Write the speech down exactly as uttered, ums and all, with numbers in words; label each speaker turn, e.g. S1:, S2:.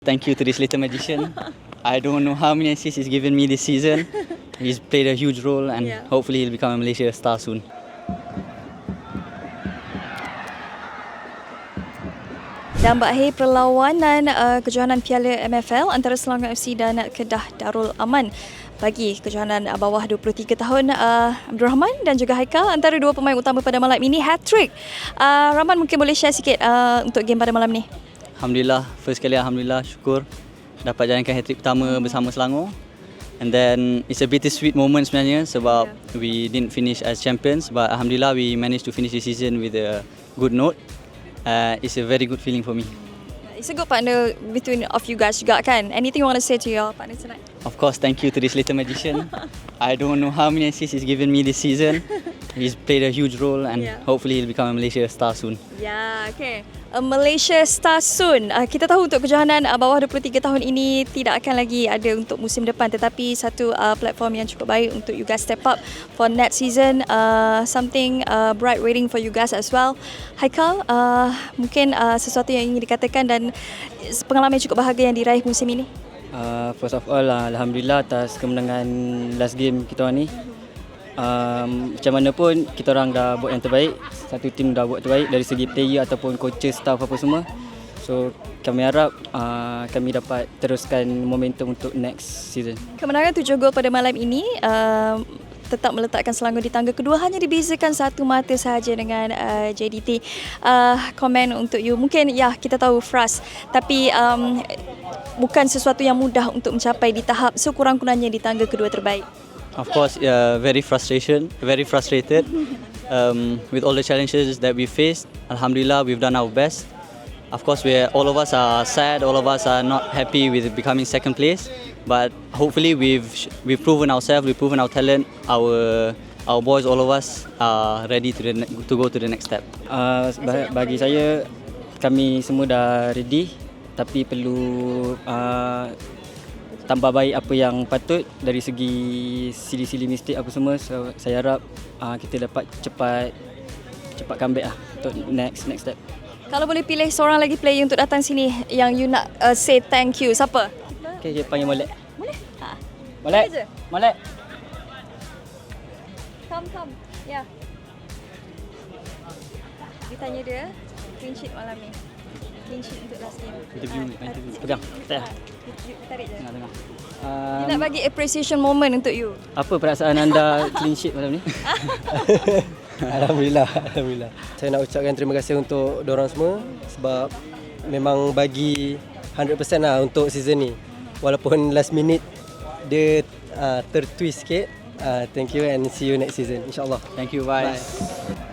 S1: Thank you to this little magician. I don't know how many assists he's given me this season. He's played a huge role and
S2: Yeah.
S1: hopefully he'll become a Malaysia star soon.
S2: Dan berakhir perlawanan uh, kejohanan Piala M F L antara Selangor F C dan Kedah Darul Aman bagi kejohanan uh, bawah dua puluh tiga tahun uh, Abdul Rahman dan juga Haikal antara dua pemain utama pada malam ini hat-trick. Uh, Rahman mungkin boleh share sikit uh, untuk game pada malam ni.
S1: Alhamdulillah, first kali Alhamdulillah, syukur dapat jalankan hat-trick pertama bersama Selangor. And then it's a bittersweet moment sebenarnya sebab yeah. we didn't finish as champions, but Alhamdulillah we managed to finish the season with a good note. Uh, it's a very good feeling for me.
S2: It's a good partner between of you guys juga kan? Anything you want to say to your partner tonight?
S1: Of course, thank you to this little magician. I don't know how many assists he's given me this season. He's played a huge role and
S2: Yeah.
S1: hopefully he'll become a Malaysia star soon.
S2: Ya, okay. A Malaysia star soon. Uh, kita tahu untuk kejohanan uh, bawah dua puluh tiga tahun ini tidak akan lagi ada untuk musim depan, tetapi satu uh, platform yang cukup baik untuk you guys step up for next season. Uh, something uh, bright waiting for you guys as well. Haikal, uh, mungkin uh, sesuatu yang ingin dikatakan dan pengalaman yang cukup bahagia yang diraih musim ini.
S3: Uh, first of all, uh, Alhamdulillah atas kemenangan last game kita orang ni. Um, macam mana pun kita orang dah buat yang terbaik. Satu tim dah buat terbaik dari segi player ataupun coaches, staff apa semua. So kami harap uh, kami dapat teruskan momentum untuk next season.
S2: Kemenangan tujuh gol pada malam ini uh, tetap meletakkan Selangor di tangga kedua, hanya dibezakan satu mata sahaja dengan uh, J D T. Uh, komen untuk you, mungkin ya kita tahu frust, tapi um, bukan sesuatu yang mudah untuk mencapai di tahap sekurang-kurangnya di tangga kedua terbaik.
S1: Of course, uh, very frustration, very frustrated um, with all the challenges that we faced. Alhamdulillah, we've done our best. Of course, we all of us are sad. All of us are not happy with becoming second place. But hopefully, we've we've proven ourselves. We've proven our talent. Our our boys, all of us, are ready to the, to go to the next step.
S3: Uh, bagi saya, kami semua dah ready, tapi perlu uh, tambah baik apa yang patut dari segi sili-sili mistik apa semua. So, saya harap uh, kita dapat cepat cepat comeback lah untuk next next step.
S2: Kalau boleh pilih seorang lagi player untuk datang sini yang you nak uh, say thank you, siapa?
S3: Okay, kita panggil Molek.
S2: Boleh? Ha.
S3: Molek.
S2: Boleh je?
S3: Molek.
S2: Come, come. Ya. Yeah. Ditanya dia, clean sheet malam ni. Clean sheet untuk last game.
S1: Interview,
S2: Ah,
S1: interview.
S3: Pegang. Tak payah.
S2: Tarik je.
S1: Tengah-tengah.
S2: Dia
S3: Um,
S2: nak bagi appreciation moment untuk you.
S3: apa perasaan anda clean sheet malam ni?
S4: Alhamdulillah, Alhamdulillah. Saya nak ucapkan terima kasih untuk dorang semua sebab memang bagi one hundred percent lah untuk season ni. Walaupun last minute dia uh, tertwist sikit. Uh, thank you and see you next season, insyaAllah.
S1: Thank you, bye.
S4: Bye.